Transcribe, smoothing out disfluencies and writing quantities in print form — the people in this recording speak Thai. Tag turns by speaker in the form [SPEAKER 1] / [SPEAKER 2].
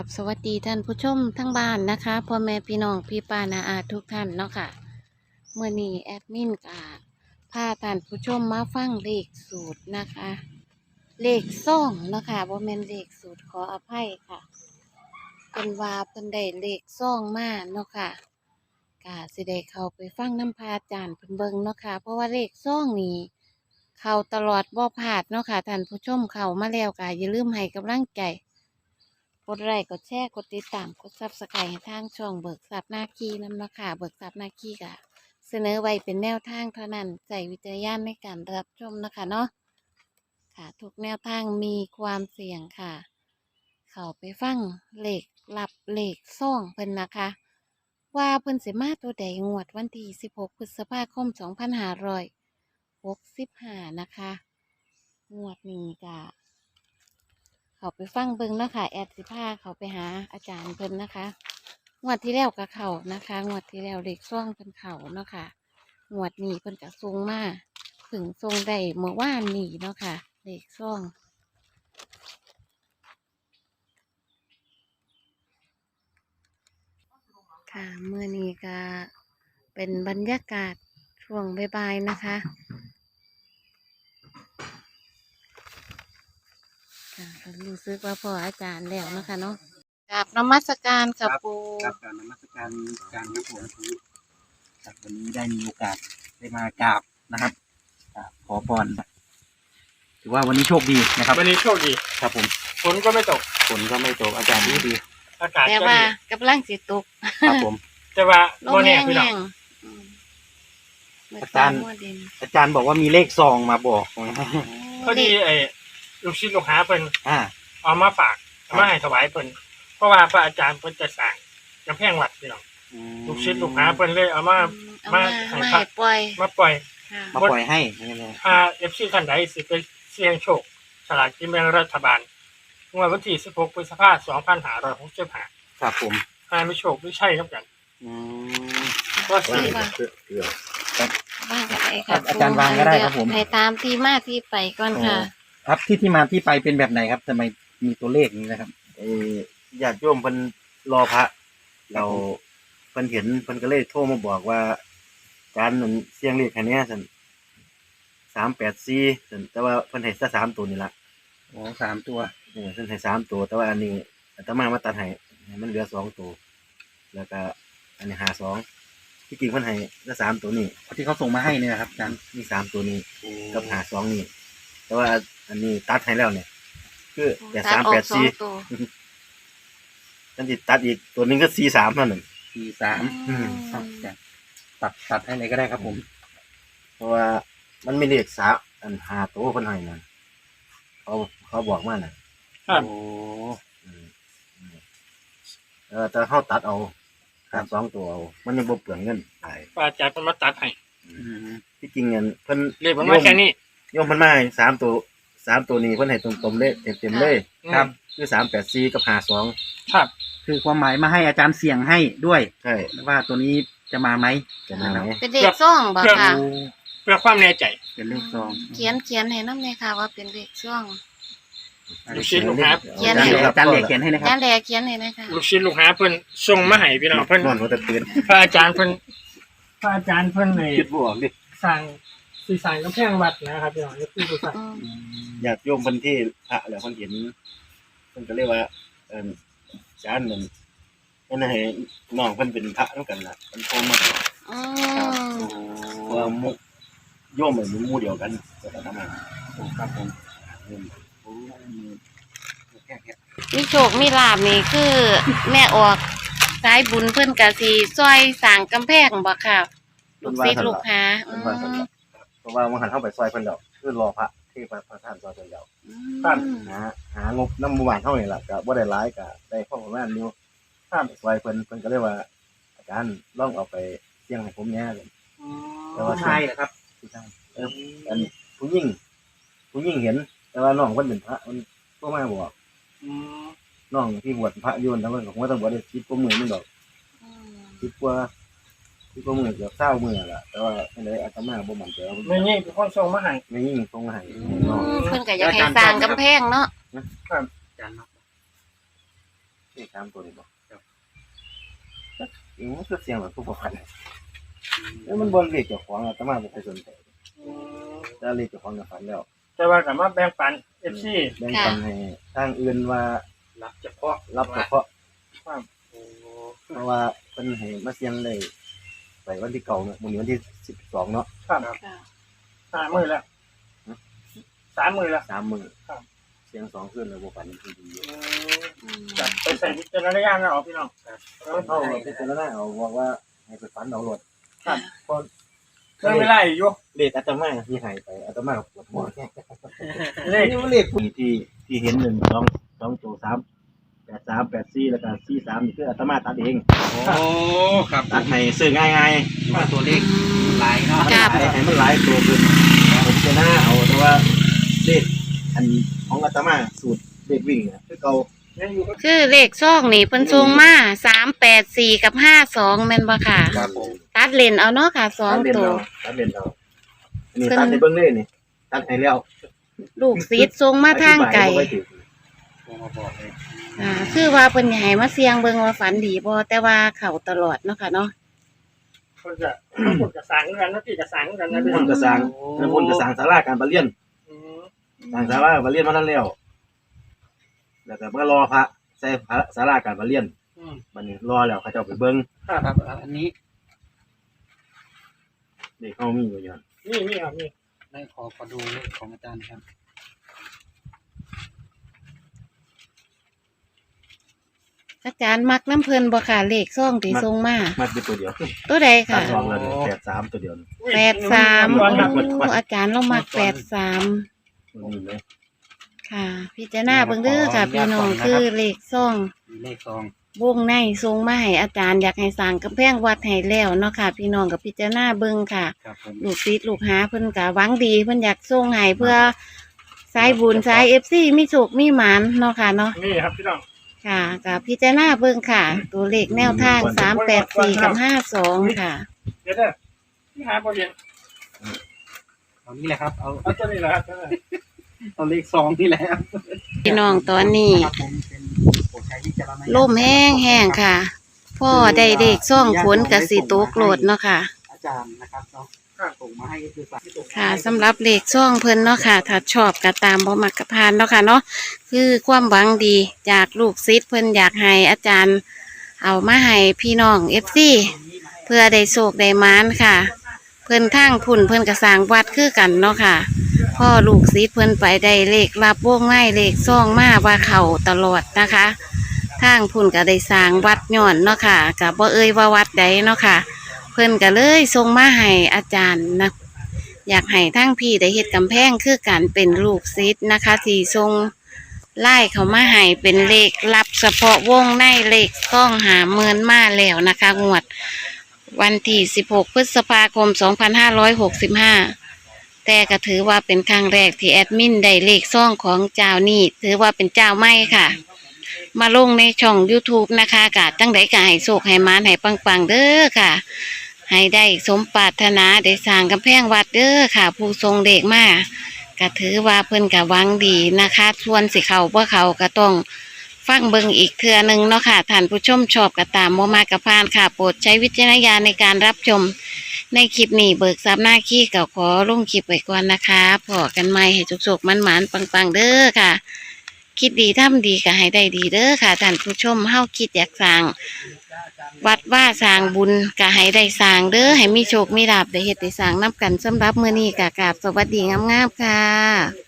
[SPEAKER 1] กับสวัสดีท่านผู้ชมทั้งบ้านนะคะพ่อแม่พี่น้องพี่ป้านาอาทุกท่านเนาะค่ะเมื่อนี้แอดมินกาพาท่านผู้ชมมาฟังเลขสูตรนะคะ เลขซ่องเนาะค่ะบ่แม่นเลขสูตรขออภัยค่ะเป็นว่าเพิ่นได้เลขซ่องมาเนาะค่ะกาสิได้เข้าไปฟังน้ำพระอาจารย์เพิ่นเบิ่งเนาะค่ะเพราะว่าเลขซ่องนี้เข้าตลอดบ่พลาดเนาะค่ะท่านผู้ชมเข้ามาแล้วก็อย่าลืมให้กำลังใจ กดไลค์กดแชร์กดติดตามกดซับสไครต์ให้ทางช่องเบิกทรัพย์นาคีนำเนาะค่ะเบิกทรัพย์นาคีกะเสนอไว้เป็นแนวทางเท่านั้นใจวิจารณญาณในการรับชมนะคะเนาะค่ะทุกแนวทางมีความเสี่ยงค่ะ เข้าไปฟังเลขลับเลขซ่องเพิ่นนะคะ ว่าเพิ่นสิมาตัวใดงวดวันที่16พฤษภาคม2565นะคะงวดนี้กะ เขาไปฟังเบิ่งเนาะค่ะแอดสิพาเขาไปหาอาจารย์เพิ่นนะคะงวดที่แล้วกับเขานะคะงวดที่แล้วเด็กซ่องเพิ่นเขาเนาะค่ะงวดนี้เพิ่นกะทรงมาถึงทรงได้เมื่อวานนี้เนาะค่ะเด็กซ่องค่ะเมื่อนี้ก็เป็นบรรยากาศช่วงบ่ายๆนะคะค่ะก็รู้สึกว่าพออาจารย์แล้วเนาะคะเนาะกราบนมัสการกับปู
[SPEAKER 2] ครับการนมัสการการครับผมครับวันนี้ได้มีโอกาสได้มากราบนะครับขอพรถือว่าวันนี้โชคดีนะครับ
[SPEAKER 3] วันนี้โชคดี
[SPEAKER 2] ครับผม
[SPEAKER 3] ฝนก็ไม่ตก
[SPEAKER 2] ฝนก็ไม่ตกอากาศดี
[SPEAKER 3] อากาศ
[SPEAKER 1] แต่
[SPEAKER 3] ก็
[SPEAKER 1] ว่า
[SPEAKER 3] ดี
[SPEAKER 1] กำลังสิตก
[SPEAKER 2] ครับผม
[SPEAKER 3] แต่ว่า
[SPEAKER 1] ล
[SPEAKER 3] โม
[SPEAKER 1] ม
[SPEAKER 3] แน่
[SPEAKER 1] แห้ง
[SPEAKER 3] พี่น้อ
[SPEAKER 1] แห้
[SPEAKER 3] ง
[SPEAKER 1] ง
[SPEAKER 2] อาจารย์ อาจารย์บอกว่ามีเลขซองมาบอก
[SPEAKER 3] พอดีไอ้ลูกศิษย์ลูกหาเพิ่น
[SPEAKER 2] อ่า
[SPEAKER 3] เอามาฝากเอามาให้ถวายเพิ่นเพราะว่าพระอาจารย์เพิ่นจะสร้างกำแพงวัดพี่น้องลูกศิษย์ลูกหาเพิ่นเลยเอามา
[SPEAKER 1] มา
[SPEAKER 3] ให้
[SPEAKER 1] มา
[SPEAKER 3] พระ
[SPEAKER 1] ให้ปล่อย
[SPEAKER 3] มาปล่อย
[SPEAKER 1] ค่ะ
[SPEAKER 2] มาปล่อยให้
[SPEAKER 3] ถ้า FC ท่านใดสิไปเสี่ยงโชคสลากกินแบ่งรัฐบาลงวดวันที่16พฤษภาคม2565
[SPEAKER 2] ครับผม
[SPEAKER 3] ถ้าไม่โชคไม่ใช่ครับกัน
[SPEAKER 2] อืม
[SPEAKER 3] ก็สิ
[SPEAKER 1] ว่า
[SPEAKER 2] ครับ
[SPEAKER 1] ว่างกันไปค่ะ
[SPEAKER 2] อาจารย์วางก็ได้ครับผม
[SPEAKER 1] ให้ตามที่มาที่ไปก่อนค่ะ
[SPEAKER 2] ครับที่มาที่ไปเป็นแบบไหนครับทำไมมีตัวเลขนี้นะครับญาติโยมเพิ่นรอพระเราเพิ่นเห็นเพิ่นก็เลยโทรมาบอกว่าการนั้นเสียงเลขอันเนี้ยซั่น384ซั่นแต่ว่าเพิ่นให้ซะ3ตัวนี่ล่ะอ๋อ3ตัวเพิ่นให้3ตัวแต่ว่าอันนี้อาตมาตัดให้มันเหลือ2ตัวแล้วก็อันนี้52ที่จริงเพิ่นให้ซะ3ตัวนี่ที่เขาส่งมาให้เนี่ยครับอาจารย์มี3ตัวนี้กับ52นี่แต่ว่าอันนี้ตัดให้แล้วเนี่ยคือ
[SPEAKER 1] ตัดออกสองตัว
[SPEAKER 2] กันติตัดอีกตัวนึงก็43เท่านั้น
[SPEAKER 1] อืม
[SPEAKER 2] ตัดให้เลยก็ได้ครับผมเพราะว่ามันไม่เรียกอัน5ตัวเพิ่นให้นั่นเขาบอกมาน่ะ
[SPEAKER 3] ครับ
[SPEAKER 2] โอ้แต่เฮาตัดเอา2ตัวเอามันยังบ่เปลืองเงินหลาย
[SPEAKER 3] พระอาจารย์เพิ่นมาตัดให้
[SPEAKER 2] ที่จริงเงินเพิ่น
[SPEAKER 3] เรียกมันมาแค่นี้
[SPEAKER 2] โยมเพิ่นมาให้3ตัวนี้เพิ่นให้ตรงๆเลยเต็มๆเลย
[SPEAKER 3] ครับ
[SPEAKER 2] คือ384กับ52
[SPEAKER 3] ครับ
[SPEAKER 4] คือความหมายมาให้อาจารย์เสี่ยงให้ด้วย
[SPEAKER 2] ใช่
[SPEAKER 4] ว่าตัวนี้จะมาไหม
[SPEAKER 2] จะมาไหม
[SPEAKER 1] เป็นเด็กซ่องบ่ค่ะ
[SPEAKER 3] เพื่อความแน่ใจ
[SPEAKER 4] เป็นเลขซอง
[SPEAKER 1] เขียนให้น้ำเลยค่ะว่าเป็นเด็กซ่อง
[SPEAKER 3] ลูกศิษย์ลูกหา
[SPEAKER 1] เขียนให้
[SPEAKER 4] อาจารย์เหลียกเขียนให้นะค
[SPEAKER 1] จา
[SPEAKER 4] รับ
[SPEAKER 1] นแดเขียนให้นะคะ
[SPEAKER 3] ลูกศิษย์ลูกหาเพิ่นส่งมาให้พี่น้องเพิ่น
[SPEAKER 2] นอนหัวตะตื่น
[SPEAKER 3] พระอาจารย์เพิ่นเลย
[SPEAKER 2] คิดบ่ออกดิ
[SPEAKER 3] สร้างกำแพงวัดนะครับพี่น้องนี่คือผู้สร้าง
[SPEAKER 1] อืม
[SPEAKER 2] อยากโยมเพิ่นที่พระแล้วเพิ่นเห็นเพิ่นก็เรียกว่าอาจารย์นั่นเพิ่นให้น้องเพิ่นเป็นพระนำกันล่ะเพิ่นโทรมา
[SPEAKER 1] อืม
[SPEAKER 2] เพราะว่าโยมมันหมู่เดียวกันก็ทำมาครับผมแค่
[SPEAKER 1] มีโชคมีลาบนี่คือ แม่ออกสายบุญเพิ่นกะสิซอยสร้างกำแพงบ่ค่ะ ลูกศิษย์ลูกหา
[SPEAKER 2] เพิ่นว่าซั่นล่ะเพราะว่ามันหันเข้าไปซอยเพิ่นแล้วคือรอพระที่พระท่านซอยเพิ่นแล้ว หางบนำหมู่บ้านเฮานี่ล่ะก็บ่ได้หลายก็ได้พอประมาณอยู่ถ้าไปซอยเพิ่นก็เลยว่าอาจารย์ลองเอาไปเสี่ยงให้ผมแหน่เลยแต่ว่า
[SPEAKER 4] ผู้ชายเหรอครับ
[SPEAKER 2] ผู้ชายอันผู้หญิงเห็น แต่ว่าน้องเพิ่นเป็นพระมันบ่มาบอกน้องที่บวชพระอยู่นั่นเพิ่นก็คงต้องบวชได้10กว่ามื้อนึงดอก10กว่ามื้อเกือบ20มื้อล่ะแต่ว่าจังได๋อาตมาบ่มั่นใจว่า
[SPEAKER 3] ไม่นี่เป็นคนส่งมาให้
[SPEAKER 2] ไม่ยิ่งตรงให้น้อง
[SPEAKER 1] เพิ่นก็อยากให้สร้างกำแพงเนาะ
[SPEAKER 4] อาจารย์เนาะ
[SPEAKER 2] เลข3ตัวนี่บ่มันก็เสียงแบบผู้ประพันธ์แล้วมันบ่เลขเจ้าของอาตมาบ่เคยสนใจแต่เลขเจ้าของก็ฝันแล้ว
[SPEAKER 3] แต่ว่ากับมาแบ่งปัน FC
[SPEAKER 2] แบ่งปันให้ทางอื่นว่า
[SPEAKER 3] รับเฉพาะ
[SPEAKER 2] รับเฉพาะ
[SPEAKER 3] ครับโอ้
[SPEAKER 2] เพราะว่าเพิ่นให้มาเสียงได้ไปวันที่เก่าเนี่ยมื้อนี้วันที่12เนาะ
[SPEAKER 3] ครับ
[SPEAKER 1] ค่ะ
[SPEAKER 3] 3 มื้อแล้ว3 มื้อแล้ว
[SPEAKER 2] 3 มื้อ
[SPEAKER 3] ครับ
[SPEAKER 2] เสียง2คืนแล้วบ่ฝันคือดีอยู่
[SPEAKER 3] จับไปใส่วิจารณญาณนะเอาพี่น้อง
[SPEAKER 2] เอาพิจารณาเอาบอกว่าให้ไปฝันเอารถ
[SPEAKER 3] ครับ
[SPEAKER 2] พอ
[SPEAKER 3] เรื่องไม่ไล่อยู่
[SPEAKER 2] เลขอาตมาที่ให้ไปอาตมาก็ปวดหัว
[SPEAKER 3] เลข
[SPEAKER 2] นี่มันเลขที่เห็น1 2 ตัว3 8 3 8 4แล้วก็4 3นี่คืออาตมาตัดเอง
[SPEAKER 4] โอ้ครับ
[SPEAKER 2] ตัดให้ซื้อง่าย
[SPEAKER 4] ว่าตัวเลขหลายเนาะ
[SPEAKER 2] ๆให้มันหลายตัวขึ้นผมจะหน้าเอาแต่ว่าเลขอันของอาตมาสูตรเลขวิ่งเนี่ยคือเก่า
[SPEAKER 3] ยังอยู่ก็
[SPEAKER 1] คือเลขซองนี่เพิ่นส่งมา384กับ52แม่นบ่ค่ะ
[SPEAKER 2] ครับผม
[SPEAKER 1] ตัดเลนเอาเนาะค่ะสอง
[SPEAKER 2] ตัดเล่น
[SPEAKER 1] ตัว
[SPEAKER 2] เอาตัดเล่นเอาอันนี้ตัดให้เบิ่งเลยนี่ตัดให้แล้ว
[SPEAKER 1] ลูกซีดส่งมาทางไกล
[SPEAKER 2] อธิบยบ่ค่อยถูก
[SPEAKER 4] โทรมาบอกเลย
[SPEAKER 1] คือว่าเพิ่นให้มาเสี่ยงเบิ่งว่าฝันดีบ่แต่ว่าเข้าตลอดเนาะค่ะเนาะ
[SPEAKER 3] คนจะคนจะสั่งกันนะพี่จะสั่งกันนะพี่
[SPEAKER 2] คนก็สร้างแล้วคนก็สร้างศาลาการประเรียน
[SPEAKER 3] อืม
[SPEAKER 2] สร้างศาลาการประเรียนมานั้นแล้วแล้วก็มารอพระใส่พระศาลาการประเรียน
[SPEAKER 3] อืม
[SPEAKER 2] บัดนี้รอแล้วเขาเจ้าไปเบิ่ง
[SPEAKER 3] ครับ
[SPEAKER 4] ครับอันนี้
[SPEAKER 2] เด็กเฮามีอยู่อย่าง
[SPEAKER 3] นี่ครับนี่
[SPEAKER 4] ได้ขอดูเลขของอาจารย์ครับ
[SPEAKER 1] อาจารย์มักน้ำเพิ่นบ่ค่ะเลขซองที่ส่งมา
[SPEAKER 2] มาเป็นตัวเดียว
[SPEAKER 1] ตัวใด
[SPEAKER 2] ตั
[SPEAKER 1] ค่ะ
[SPEAKER 2] ดสองแล้วนี่83ตัวเดียวนี่
[SPEAKER 1] 83
[SPEAKER 3] ร้อนครับ
[SPEAKER 1] โอ้อาจารย์เรามัก83
[SPEAKER 2] มันมีไหม
[SPEAKER 1] ค่ะ พิจารณาเบิ่งเด้อค่ะพี่น้องคือเลขซอง
[SPEAKER 4] มีเลขซอง
[SPEAKER 1] วงในทรงมาให้อาจารย์อยากให้สร้างกำแพงวัดให้แล้วเนาะค่ะ พี่น้องกับพิจารณาเบิ่งค่ะ
[SPEAKER 4] ครับผม
[SPEAKER 1] ลูกศิษย์ลูกหาเพิ่นก็หวังดีเพิ่นอยากส่งให้เพื่อสายบุญสาย FC มีโชคมีหมานเนาะค่ะเนาะ
[SPEAKER 3] นี่ครับพี่น้อง
[SPEAKER 1] ค่ะกับพิจารณาเบิ่งค่ะ ตัวเลขแนวทาง384กับ52ค่ะ
[SPEAKER 3] เดี๋ยวเด้อที่หาประเด็น
[SPEAKER 4] เอานี่แหละครับ
[SPEAKER 3] เอาตัวนี้แหละครับ
[SPEAKER 4] เอาเลขซองนี่แหละครับ
[SPEAKER 1] พี่น้องตอนนี้
[SPEAKER 4] ครับผมเป็นโปรดใช้วิจารณญาณ
[SPEAKER 1] ลมแห้งๆค่ะ พ่อได้เลขซ่องฝนก็สิตกโลดเนาะค่ะ
[SPEAKER 4] อาจารย์นะครับเนาะส่งมาให้ก็คือสั่ง
[SPEAKER 1] ค่ะสำหรับเลขซ่องเพิ่นเนาะค่ะ ถ้าชอบก็ตามบ่มักก็ผ่านเนาะค่ะเนาะคือความหวังดีจากลูกศิษย์เพิ่นอยากให้อาจารย์เอามาให้พี่น้อง FC เพื่อได้โชคได้หมานค่ะ เพิ่นทางพุ่นเพิ่นก็สร้างวัดคือกันเนาะค่ะพ่อลูกศิษย์เพิ่นไปได้เลขรับวงไม้เลขซ่องมาว่าเข้าตลอดนะคะทางพุ่นก็ได้สร้างวัดย้อนเนาะค่ะก็บ่เอ่ยว่าวัดใดเนาะค่ะ เพิ่นก็เลยส่งมาให้อาจารย์นะอยากให้ทั้งพี่ได้เฮ็ดกำแพงคือกันเป็นลูกศิษย์นะคะที่ส่งไล่เขามาให้เป็นเลขลับเฉพาะวงในเลขต้อง50,000มาแล้วนะคะงวดวันที่16 พฤษภาคม 2565 แต่ก็ถือว่าเป็นครั้งแรกที่แอดมินได้เลขซ่องของเจ้านี่ถือว่าเป็นเจ้าใหม่ค่ะ มาลงในช่อง YouTube นะคะกะจังไดก็ให้โชคให้หมานให้ปังๆเด้อค่ะ ให้ได้สมปรารถนาได้สร้างกำแพงวัดเด้อค่ะ ผู้ทรงเด็กมาก็ถือว่าเพิ่นก็หวังดีนะคะส่วนสิเขาบ่เขาก็ต้องฟังเบิ่งอีกเทื่อหนึงเนาะค่ะท่านผู้ชมชอบก็ตามบ่มากก็ผ่านค่ะ โปรดใช้วิจารณญาณในการรับชม ในคลิปนี้เบิกทรัพย์หน้าขี้ก็ขอลงคลิปไว้ก่อนนะคะพอกันใหม่ให้จุกๆมันๆปังๆเด้อค่ะ คิดดีทำดีก็ให้ได้ดีเด้อค่ะท่านผู้ชมเฮาคิดอยากสร้างวัดว่าสร้างบุญก็ให้ได้สร้างเด้อให้มีโชคมีลาภได้เฮ็ดได้สร้างนับกันสำหรับมื้อนี้ก็กราบสวัสดีงามๆค่ะ